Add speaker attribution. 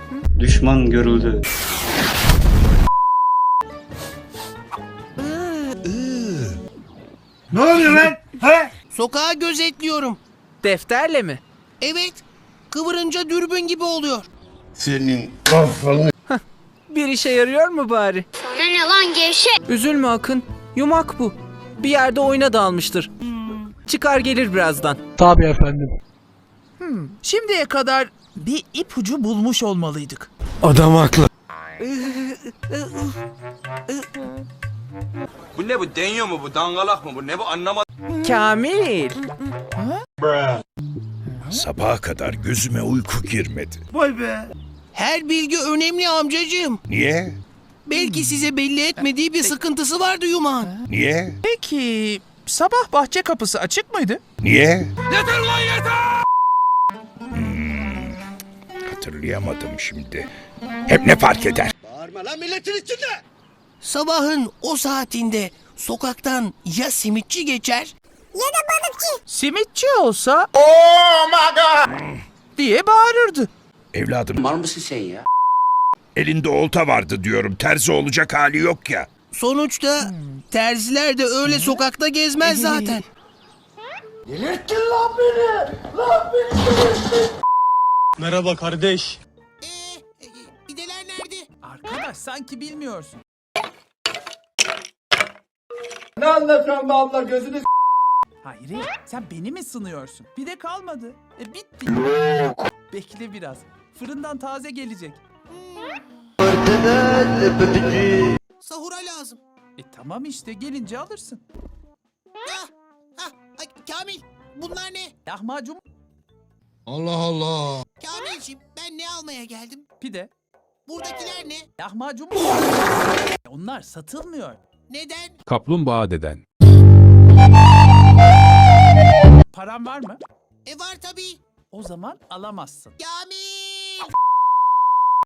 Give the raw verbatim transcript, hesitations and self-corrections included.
Speaker 1: Düşman görüldü.
Speaker 2: Ne oluyor lan? He?
Speaker 3: Sokağı gözetliyorum.
Speaker 4: Defterle mi?
Speaker 3: Evet, kıvırınca dürbün gibi oluyor.
Speaker 2: Senin kafanı.
Speaker 4: Bir işe yarıyor mu bari?
Speaker 5: Sana ne lan gevşek?
Speaker 4: Üzülme Akın. Yumak bu. Bir yerde oyuna dalmıştır. Çıkar gelir birazdan.
Speaker 6: Şimdiye kadar bir ipucu bulmuş olmalıydık.
Speaker 2: Adam haklı.
Speaker 7: Bu ne bu? Deniyor mu bu? Dangalak mı bu? Ne bu? Anlamadım.
Speaker 4: Kamil.
Speaker 8: Sabaha kadar gözüme uyku girmedi.
Speaker 2: Vay be.
Speaker 3: Her bilgi önemli amcacığım.
Speaker 8: Niye?
Speaker 3: Belki size belli etmediği bir sıkıntısı vardı Yuman.
Speaker 8: Niye?
Speaker 6: Peki sabah bahçe kapısı açık mıydı?
Speaker 8: Niye? Yeter lan yeter! Hmm, hatırlayamadım şimdi. Hep ne fark eder?
Speaker 3: Sabahın o saatinde sokaktan ya simitçi geçer
Speaker 6: Simitçi olsa oh my god diye bağırırdı.
Speaker 8: Evladım
Speaker 7: Var mısın sen ya?
Speaker 8: elinde olta vardı diyorum. Terzi olacak hali yok ya.
Speaker 3: Sonuçta terziler de öyle sokakta gezmez zaten.
Speaker 1: Merhaba kardeş.
Speaker 3: Ee, pideler nerede?
Speaker 6: Arkadaş sanki bilmiyorsun.
Speaker 2: Ne anlatıyorsun be abla gözünü s***.
Speaker 6: Hayır sen beni mi sınıyorsun? Bir de kalmadı. E bitti. Bekle biraz. Fırından taze gelecek.
Speaker 3: Sahura lazım.
Speaker 6: E tamam işte gelince alırsın.
Speaker 3: Ah, ah, ay, Kamil bunlar ne?
Speaker 6: Lahmacun
Speaker 2: Allah Allah.
Speaker 3: Kamilciğim ben ne almaya geldim?
Speaker 6: pide.
Speaker 3: Buradakiler ne?
Speaker 6: Lahmacun onlar satılmıyor.
Speaker 3: Neden?
Speaker 9: Kaplumbağa deden.
Speaker 6: Paran var mı?
Speaker 3: E var tabii.
Speaker 6: O zaman alamazsın.
Speaker 3: Ya